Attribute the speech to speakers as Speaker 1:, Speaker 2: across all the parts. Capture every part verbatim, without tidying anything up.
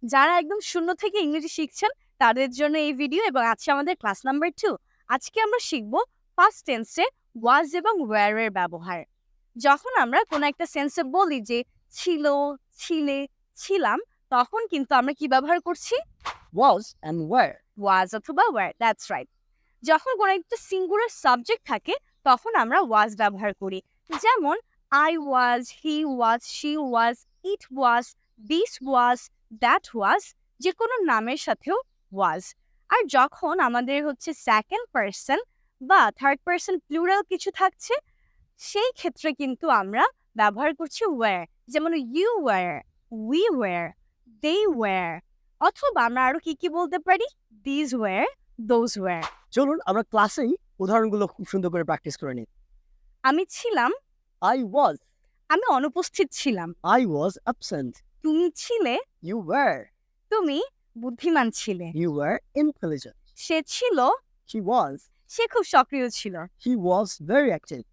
Speaker 1: যারা একদম শূন্য থেকে ইংরেজি শিখছেন তাদের জন্য এই ভিডিও এবং আজকে আমাদের ক্লাস নাম্বার টু। আজকে আমরা শিখব পাস্ট টেন্সে ওয়াজ এবং ওয়্যার এর ব্যবহার। যখন আমরা কোনো একটা সেন্সে বলি যে ছিল, ছিলে, ছিলাম, তখন কিন্তু আমরা কি ব্যবহার করছি?
Speaker 2: was and were.
Speaker 1: ওয়াজ অথবা ওয়্যার, দ্যাটস রাইট। যখন কোনো একটা সিঙ্গুলার সাবজেক্ট থাকে তখন আমরা ওয়াজ ব্যবহার করি। যেমন I was, he was, she was, it was, this was, that was, যে কোনো নামের সাথেও ওয়াজ। আর যখন আমাদের হচ্ছে সেকেন্ড পার্সন বা থার্ড পার্সন প্লুরাল কিছু থাকছে সেই ক্ষেত্রে কিন্তু আমরা ব্যবহার করছি ওয়্যার। যেমন you were, we were, they were, অথবা আমরা আরো কি কি বলতে পারি? This were, those were.
Speaker 2: চলুন আমরা ক্লাসেই উদাহরণগুলো খুব সুন্দর করে প্র্যাকটিস করে নিই।
Speaker 1: আমি ছিলাম,
Speaker 2: I was.
Speaker 1: আমি অনুপস্থিত ছিলাম।
Speaker 2: I was absent.
Speaker 1: তুমি ছিলে,
Speaker 2: You were.
Speaker 1: তুমি বুদ্ধিমান ছিলে।
Speaker 2: You were intelligent.
Speaker 1: সে ছিল,
Speaker 2: She was.
Speaker 1: সে খুব সক্রিয় ছিল।
Speaker 2: He was very active.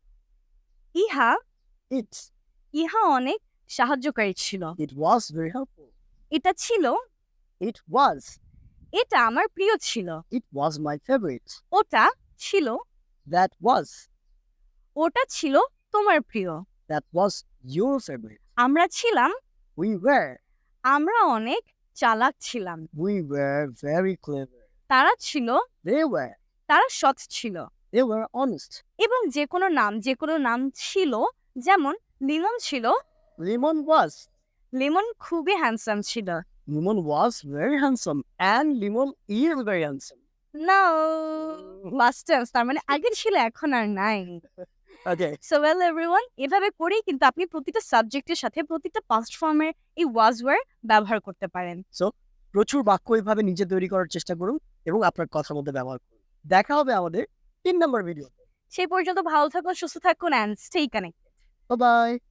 Speaker 1: ইহা,
Speaker 2: It.
Speaker 1: ইহা অনেক সাহায্যকারী ছিল।
Speaker 2: It was very helpful.
Speaker 1: এটা ছিল,
Speaker 2: It was.
Speaker 1: এটা আমার প্রিয় ছিল।
Speaker 2: It was my favorite.
Speaker 1: ওটা ছিল,
Speaker 2: That was.
Speaker 1: ওটা ছিল তোমার প্রিয়।
Speaker 2: That was your favorite.
Speaker 1: আমরা ছিলাম,
Speaker 2: We were.
Speaker 1: আমরা অনেক চালাক ছিলাম।
Speaker 2: We were very clever.
Speaker 1: তারা ছিল,
Speaker 2: They were.
Speaker 1: তারা সৎ ছিল।
Speaker 2: They were honest.
Speaker 1: এবং যে কোনো নাম, যে কোনো নাম ছিল, যেমন লিমন ছিল,
Speaker 2: Lemon was.
Speaker 1: লিমন খুবই হ্যান্ডসাম ছিল।
Speaker 2: Lemon was very handsome. And Lemon is very handsome.
Speaker 1: না, লাস্ট টেন্স, তার মানে আগে ছিল এখন আর নাই।
Speaker 2: Okay.
Speaker 1: সো ওয়েল এভরিওয়ান, এভাবে করেই কিন্তু আপনি প্রতিটা সাবজেক্টের সাথে প্রতিটা পাস্ট ফর্মের এই ওয়াজ ওয়্যার ব্যবহার করতে পারেন।
Speaker 2: So, প্রচুর বাক্য এইভাবে নিজে তৈরি করার চেষ্টা করুন এবং আপনার কথার মধ্যে ব্যবহার করুন। দেখা হবে আমাদের তিন নম্বর ভিডিওতে।
Speaker 1: সেই পর্যন্ত ভালো থাকুন, সুস্থ থাকুন and stay connected.
Speaker 2: Bye by.